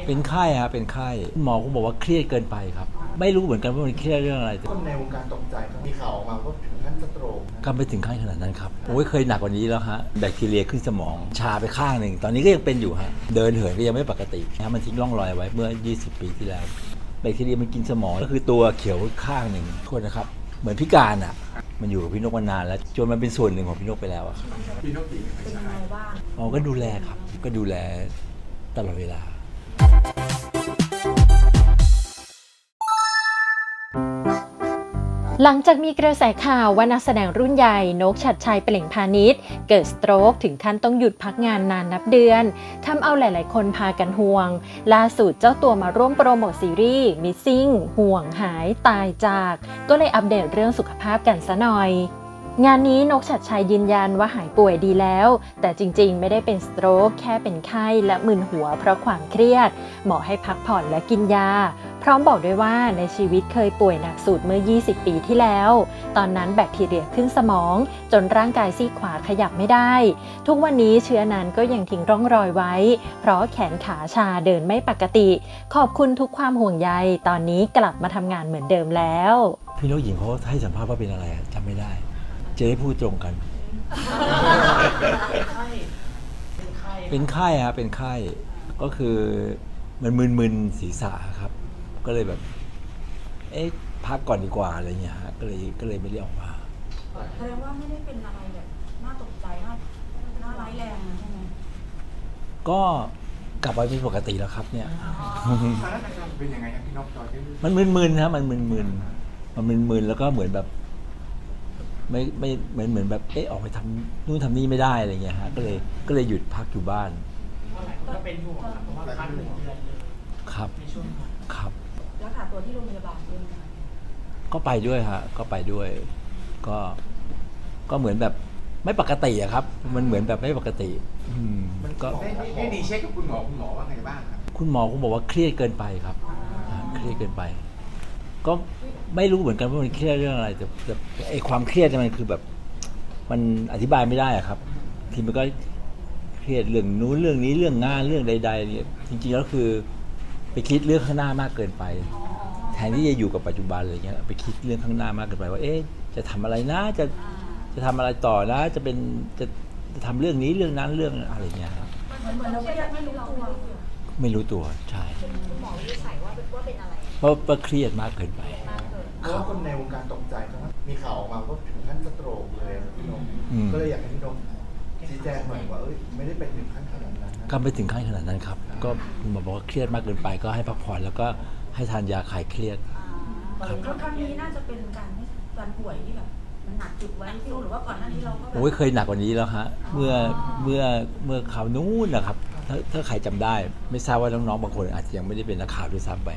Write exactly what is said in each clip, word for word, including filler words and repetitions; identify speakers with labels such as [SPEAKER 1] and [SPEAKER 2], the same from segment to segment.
[SPEAKER 1] เป็นไข้ครับเป็นไข้หมอคงบอกว่าเครียดเกินไปครับไม่รู้เหมือนกันว่ามันเครียดเรื่องอะไรแต่
[SPEAKER 2] คนในวงการตกใจครับมีข่าวออกมาว่าถึงขั้นสโตรกนะ
[SPEAKER 1] ก็ไม่ถึงขั้นขนาดนั้นครับโอ้ยเคยหนักกว่านี้แล้วฮะแบคทีเรียขึ้นสมองชาไปข้างหนึ่งตอนนี้ก็ยังเป็นอยู่ฮะเดินเหินก็ยังไม่ปกตินะมันทิ้งร่องรอยไว้เมื่อยี่สิบปีที่แล้วแบคทีเรียมันกินสมองก็คือตัวเขียวข้างหนึ่งโทษนะครับเหมือนพิการอ่ะมันอยู่กับพี่นกมานานแล้วจนมันเป็นส่วนหนึ่งของพี่นกไปแล้วอะ
[SPEAKER 3] พี่นกหญิงเป็นยังไงบ้าง
[SPEAKER 1] อ๋อก็ดูแลครับก็ดูแลตลอดเวลา
[SPEAKER 4] หลังจากมีกระแสข่าวว่านักแสดงรุ่นใหญ่นกชัดชัยเปล่งพาณิชย์เกิดสโตรกถึงขั้นต้องหยุดพักงานนานนับเดือนทำเอาหลายๆคนพากันห่วงล่าสุดเจ้าตัวมาร่วมโปรโมทซีรีส์ Missing ห่วงหายตายจากก็เลยอัปเดตเรื่องสุขภาพกันซะหน่อยงานนี้นกชัดชัยยืนยันว่าหายป่วยดีแล้วแต่จริงๆไม่ได้เป็นสโตรกแค่เป็นไข้และมึนหัวเพราะความเครียดหมอให้พักผ่อนและกินยาพร้อมบอกด้วยว่าในชีวิตเคยป่วยหนักสุดเมื่อยี่สิบปีที่แล้วตอนนั้นแบคทีเรียขึ้นสมองจนร่างกายซีกขวาขยับไม่ได้ทุกวันนี้เชื้อนั้นก็ยังทิ้งร่องรอยไว้เพราะแขนขาชาเดินไม่ปกติขอบคุณทุกความห่วงใยตอนนี้กลับมาทำงานเหมือนเดิมแล้ว
[SPEAKER 1] พี่นกหญิงเขาให้สัมภาษณ์ว่าเป็นอะไรจำไม่ได้จะได้พูดตรงกัน เป็นไข้ครับเป็นไข้ก็คือมันมึนๆศีรษะครับก็เลยแบบเอ๊ะพักก่อนดีกว่าอะไรเงี้ยฮะก็เลยก็เลยไม่ได้ออกมา
[SPEAKER 5] แสดงว่าไม่ได้เป็นอะไรแบบน่าตกใจน่าน่าร้ายแรงใช่ไหม
[SPEAKER 1] ก็กลับมาเป็นปกติแล้วครับเนี่ย
[SPEAKER 3] สถานการณ์เป็นยังไงครับพี่นกตอนที่
[SPEAKER 1] มันมึนๆนะมันมึนๆมันมึนๆแล้วก็เหมือนแบบไม่ไม่เหมือนเหมือนแบบเอ๊ะออกไปทำนู่นทำนี่ไม่ได้อะไรเงี้ยฮะก็เลยก็เลยหยุดพักอยู่บ้าน
[SPEAKER 6] ก็เป็นห่วงเพราะว่าพักหนึ่งเดือนเลย
[SPEAKER 1] ครับครับ
[SPEAKER 5] รักษาตัวที่โรงพยาบาลด้วยไหม
[SPEAKER 1] ก็ไปด้วยฮะก็ไปด้วยก็ก็เหมือนแบบไม่ปกติอะครับมันเหมือนแบบไม่ปกติ
[SPEAKER 3] มันก็ได้ได้ดีเช็คกับคุณหมอคุณหมอว่าไงบ้างครับ
[SPEAKER 1] คุณหมอคงบอกว่าเครียดเกินไปครับเครียดเกินไปก็ไม่รู้เหมือนกันว่ามันเครียดเรื่องอะไรแต่แต่ไอ้ความเครียดมันคือแบบมันอธิบายไม่ได้อะครับทีมันก็เครียดเรื่องนู้นเรื่องนี้เรื่องงานเรื่องใดๆเนี่ยจริงๆแล้วคือไปคิดเรื่องข้างหน้ามากเกินไปแทนที่จะอยู่กับปัจจุบันอะไรเงี้ยไปคิดเรื่องข้างหน้ามากเกินไปว่าเอ๊ะจะทำอะไรนะจะจะทำอะไรต่อนะจะเป็นจะจะทำเรื่องนี้เรื่องนั้นเรื่องอะไรเงี้ยครับ
[SPEAKER 5] เหมือนเราก็ยังไม่รู้ตัว
[SPEAKER 1] ไม่รู้ตัวใช่
[SPEAKER 5] คุณหมอวินิจฉัยว่าว่าเป็นอะไร
[SPEAKER 1] เพราะว่าเครียดมากเกินไป
[SPEAKER 2] เพราะคนในวงการตกใจครับมีข่าวออกมาว่าถึงขั้นสโตรกเลยพี่นกก็เลยอยากให้พี่นกชี้แจงหน่อยว่าเอ้ยไม่ได้เป็นถึงขั้นขนาดนั้น
[SPEAKER 1] ก็ไม่ถึงขั้นขนาดนั้นครับก็คุณหมอบอกว่าเครียดมากเกินไปก็ให้พักผ่อนแล้วก็ให้ทานยาคลายเครียด
[SPEAKER 5] ครับครั้งนี้น่าจะเป็นการการป่วยที่แบบมันหนักจุดไว้ที่รู้หรือว่าก่อนหน้านี้เราก็
[SPEAKER 1] โอ้ยเคยหนักกว่านี้แล้วฮะเมื่อเมื่อเมื่อข่าวนู้นนะครับถ้าถ้าใครจำได้ไม่ทราบว่าน้องๆบางคนอาจจะยังไม่ได้เป็นนักข่าวด้วยซ้ำไป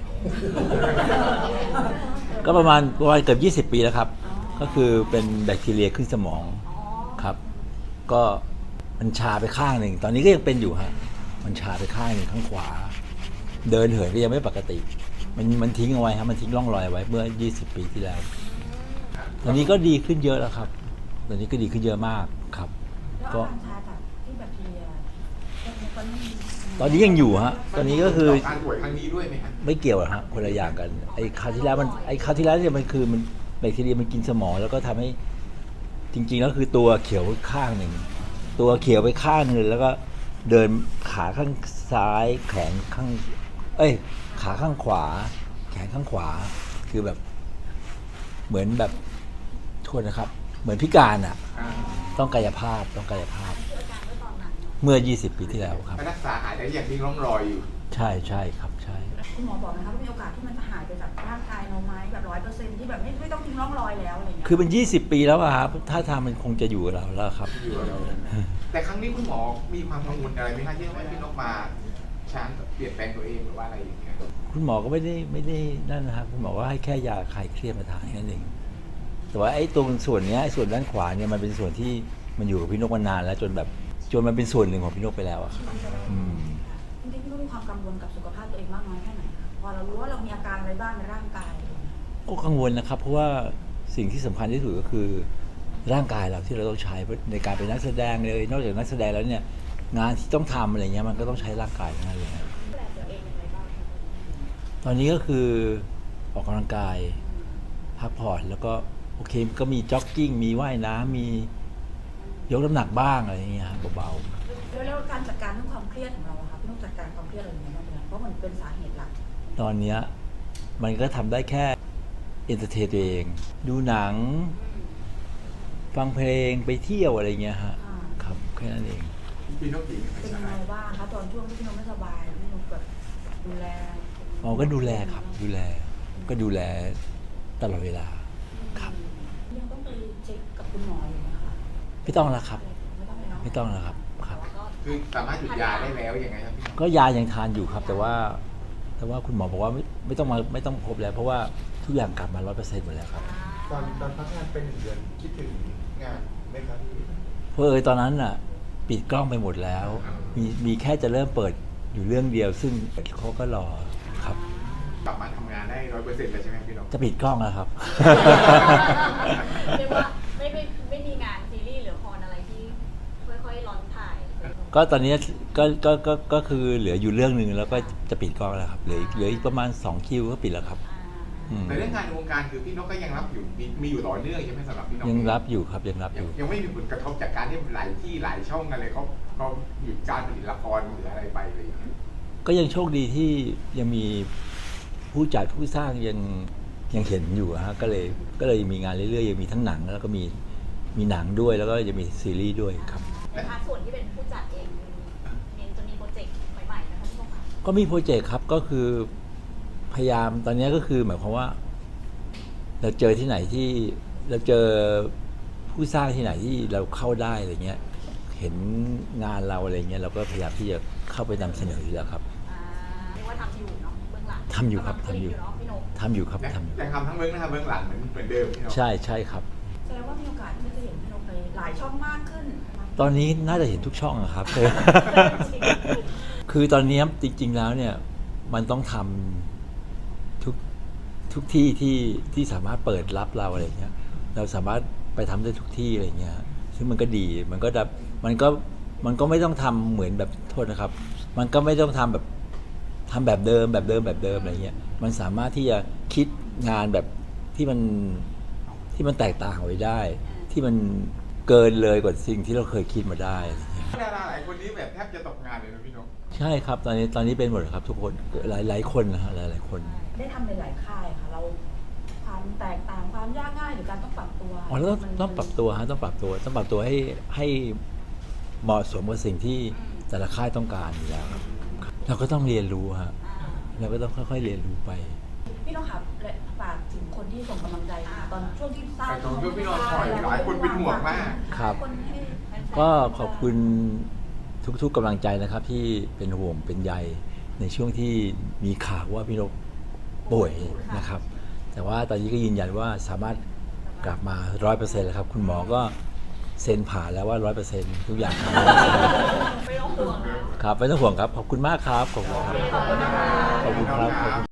[SPEAKER 1] ก็ประมาณประมาณเกือบยี่สิบปีแล้วครับก็คือเป็นแบคทีเรียขึ้นสมองครับก็มันชาไปข้างหนึ่งตอนนี้ก็ยังเป็นอยู่ฮะมันชาไปข้างหนึ่งข้างขวาเดินเหินก็ยังไม่ปกติมันมันทิ้งเอาไว้ฮะมันทิ้งร่องรอยไว้เมื่อยี่สิบปีที่แล้วตอนนี้ก็ดีขึ้นเยอะแล้วครับตอนนี้ก็ดีขึ้นเยอะมากครับ
[SPEAKER 5] ก็ชาจากที่แบคทีเรีย
[SPEAKER 1] ตอนนี้ยังอยู่ฮะตอนนี้ก็คือ
[SPEAKER 3] การป่วยครั้งนี้ด้วยไหมครับ
[SPEAKER 1] ไม่เกี่ยวฮะคนละอย่างกันไอ้คราวที่แล้วมันไอ้คราวที่แล้วเนี่ยมันคือมันแบคทีเรียมันกินสมองแล้วก็ทำให้จริงๆแล้วคือตัวเขียวข้างหนึ่งตัวเขียวไปข้างนึงแล้วก็เดินขาข้างซ้ายแขนข้างเอ้ยขาข้างขวาแขนข้างขวาคือแบบเหมือนแบบโทษนะครับเหมือนพิการอ่ะต้องกายภาพต้องกายภาพเมื่อยี่สิบปีที่แล้วครับ
[SPEAKER 3] รักษาหายได้อย่างที่ร่องรอยอยู่
[SPEAKER 1] ใช่ใช่ครับใช่
[SPEAKER 5] คุณหมอบอกนะครับว่ามีโอกาสที่มันจะหายไปจากร่างกายเราไหมแบบร้อยเปอร์เซ็นต์ที่แบบไม่ไม่ต้องทิ้งร่องรอยแล้วอะไรเงี้ย
[SPEAKER 1] คือเป็นยี่สิบปีแล้วอะครับถ้าทางมันคงจะอยู่กับเราแล้วครับ
[SPEAKER 3] อยู่กับเราแต่ครั้งนี้คุณหมอมีความกังวลอะไรไหมครับที่ว่าพี่นกมาช้างเปลี่ยนแปลงตัวเองหรือว่าอะไรอย่างเงี้ย
[SPEAKER 1] คุณหมอก็ไม่ได้ไม่ได้นั่นนะครับคุณหมอว่าให้แค่ยาคลายเครียดมาทานแค่นั้นเองแต่ว่าไอ้ตรงส่วนนี้ไอ้ส่วนด้านขวาเนี่ยมันเป็นส่วนที่มันอยู่กับพี่นกมานานแล้วจนแบบจนมันเป็นส่วนหนึ่งของพี่นกไปแล้วอะครับ
[SPEAKER 5] จริงๆพี่นกมีความกังวลกับสุขภาพตัวเองมากน้อยแค่ไหนคะพอเรารู้ว่าเรามีอาการอะไรบ้างในร่างกาย
[SPEAKER 1] ก็กังวลนะครับเพราะว่าสิ่งที่สำคัญที่สุดก็คือร่างกายเราที่เราต้องใช้ในการเป็นนักแสดงเลยนอกจากนักแสดงแล้วเนี่ยงานที่ต้องทำอะไรเงี้ยมันก็ต้องใช้ร่างกายทั้งนั้นเลยตอนนี้ก็คือออกกำลังกายพักผ่อนแล้วก็โอเคก็มีจ็อกกิ้งมีว่ายน้ำมียกน้ำหนักบ้างอะไรอย่างเงี้ยครับเบา
[SPEAKER 5] แล้วแล้วการจัดการเรื่องความเครียดของเราอะคะพี่นกจัดการความเครียดเราอย่างไรบ้างคะเพราะมันเป็นสาเหตุหลัก
[SPEAKER 1] ๆตอนเนี้ยมันก็ทำได้แค่เอนเตอร์เทนตัวเอง ดูหนัง ฟังเพลงไปเที่ยวอะไรเงี้ยฮะ
[SPEAKER 5] อ่า
[SPEAKER 1] ครับแค่นั้นเอง
[SPEAKER 3] พี่นกหญิง
[SPEAKER 5] เป็นยังไงบ้างคะตอนช่วงที่พี่นกไม่สบายพี่นกแบบดูแล
[SPEAKER 1] อ๋อก็ดูแลครับ ดูแลก็ดูแลตลอดเวลาครับ
[SPEAKER 5] ยังต้องไปเช็คกับคุณหมออยู่ไหมคะ
[SPEAKER 1] ไม่ต้องแล้วครับ
[SPEAKER 5] ไม่ต้องเลยเนาะ
[SPEAKER 1] ไม่ต้องแล้วครับครับ
[SPEAKER 3] คือสามารถหยุดยาได้แล้วยังไงครับพี่นก
[SPEAKER 1] ก็ยายังทานอยู่ครับ แต่ว่า แต่ว่าคุณหมอบอกว่าไม่ไม่ต้องมาไม่ต้องพบแล้ว เพราะว่าทุกอย่างกลับมาร้อยเปอร์เซ็นต์หมดแล้วครับ
[SPEAKER 2] ตอนตอนพักงานเป็นหนึ่งเดือนคิดถึงงานไหมครับพี่
[SPEAKER 1] เพราะเออตอนนั้นอ่ะ ปิดกล้องไปหมดแล้ว มีมีแค่จะเริ่มเปิดอยู่เรื่องเดียว ซึ่งเขาก็รอครับ
[SPEAKER 3] กลับมาทำงานได้ร้อยเปอร์เซ็นต์แล้วใช่ไหมพี่นก
[SPEAKER 1] จะปิดกล้องแล้วครับ
[SPEAKER 7] เรียกว่าไม่ไม่ไม่มีงานซีรีส์หรือละครอะไรที่ค่อยๆร้อนถ่าย
[SPEAKER 1] ก็ตอนนี้ก็ก็ก็ก็คือเหลืออยู่เรื่องหนึ่งแล้วก็จะปิดกล้องแล้วครับเหลืออีกเหลืออีกประมาณสองคิวก็ปิดแล้วครับอืม
[SPEAKER 3] แต่เรื่องงานในวงการคือพี่นกก็ยังรับอยู่มีมีอยู่ต่อเนื่องใช่ไหมสำหรับพี่นก
[SPEAKER 1] ยังรับอยู่ครับยังรับอ
[SPEAKER 3] ยัง
[SPEAKER 1] ยู่
[SPEAKER 3] ยังไม่มีผลกระทบจากการที่หลายที่หลายช่องอะไรเขาเขาหยุดการผลิตละครหรืออะไรไปอะไรอย่างเงี้ย
[SPEAKER 1] ก็ยังโชคดีที่ยังมีผู้จัดผู้สร้างยังยังเห็นอยู่ฮะก็เลยก็เลยมีงานเรื่อยๆยังมีทั้งหนังแล้วก็มีมีหนังด้วยแล้วก็จะมีซีรีส์ด้วยครับ
[SPEAKER 7] ในพาร์ทส่วนที่เป็นผู้จัดเองมีจะมีโปรเจกต์ใหม่ๆนะคะพี่นกคะ
[SPEAKER 1] ก็มีโปรเจกต์ครับก็คือพยายามตอนนี้ก็คือหมายความว่า เราเจอที่ไหนที่เราเจอผู้สร้างที่ไหนที่เราเข้าได้อะไรเงี้ยเห็นงานเราอะไรเงี้ยเราก็พยายามที่จะเข้าไปนำเสนออยู่แล้วครับ
[SPEAKER 7] อ่าเรียกว่าทำอยู่เนาะเบื้องหลัง
[SPEAKER 1] ทำอยู่ครับ
[SPEAKER 7] กำลังผลิต
[SPEAKER 1] ทำอยู่
[SPEAKER 7] เนาะพี่นก
[SPEAKER 1] ทำอยู่ครับ
[SPEAKER 3] ยัง
[SPEAKER 1] ทำอยู่
[SPEAKER 3] ยังทำทั้งเบื้องหน้าเบื้องหลังเหมือนเหมือนเดิมพี่นก
[SPEAKER 1] ใช่ใช่ครับ
[SPEAKER 5] แสดงว่ามีโอกาสที่จะเห็นพี่นกไปหลายช่องมากขึ้น
[SPEAKER 1] ตอนนี้น่าจะเห็นทุกช่องอะครับ คือตอนนี้จริง ๆ แล้วเนี่ย มันต้องทำทุกทุกที่ที่ที่สามารถเปิดรับเราอะไรเงี้ย เราสามารถไปทำได้ทุกที่อะไรเงี้ย ซึ่งมันก็ดี มันก็ดับมันก็มันก็ไม่ต้องทำเหมือนแบบโทษนะครับ มันก็ไม่ต้องทำแบบทำแบบเดิมแบบเดิมแบบเดิมอะไรเงี้ย มันสามารถที่จะคิดงานแบบที่มันที่มันแตกต่างไว้ได้ ที่มันเกินเลยกว่าสิ่งที่เราเคยคิดมาได้อะไรเงี้ย
[SPEAKER 3] ดาราหลายคนนี้แบบแทบจะตกงานเลยนะพี่นก
[SPEAKER 1] ใช่ครับ ตอนนี้ตอนนี้เป็นหมดครับ ทุกคนหลายหลายคนนะฮะหลายหลายคน
[SPEAKER 5] ได้ทำในหลายค่ายค่ะ เราความแตกต่างความยากง่ายหรือการต้องปรับตัว
[SPEAKER 1] อ๋อแล้วต้องต้องปรับตัวฮะต้องปรับตัวต้องปรับตัวให้ให้เหมาะสมกับสิ่งที่แต่ละค่ายต้องการอยู่แล้วครับเราก็ต้องเรียนรู้ฮะเราก็ต้องค่อยๆเรียนรู้ไป
[SPEAKER 5] พี่น้องครับและฝากถึงคนที่ส่งกำลังใจมาตอนช่วงที่ทราบ
[SPEAKER 3] แต่ตอนช่วงพี่น้องถอยหลายคนเป็นห่วงมาก
[SPEAKER 1] ครับ
[SPEAKER 5] คนให้แฟนๆ
[SPEAKER 1] ก็ขอบคุณทุกๆกำลังใจนะครับ ที่เป็นห่วงเป็นใยในช่วงที่มีข่าวว่าพี่นกป่วยนะครับ แต่ว่าตอนนี้ก็ยืนยันว่าสามารถกลับมาร้อยเปอร์เซ็นต์แล้วครับ คุณหมอก็เซ็นผ่านแล้วว่าร้อยเปอร์เซ็นต์ทุกอย่างครับ
[SPEAKER 7] ไม่ต้องห่วงนะ
[SPEAKER 1] ครับไม่ต้องห่วงครับ ขอบคุณมากครับ ขอบคุณครับ ขอบคุณครับขอบคุณ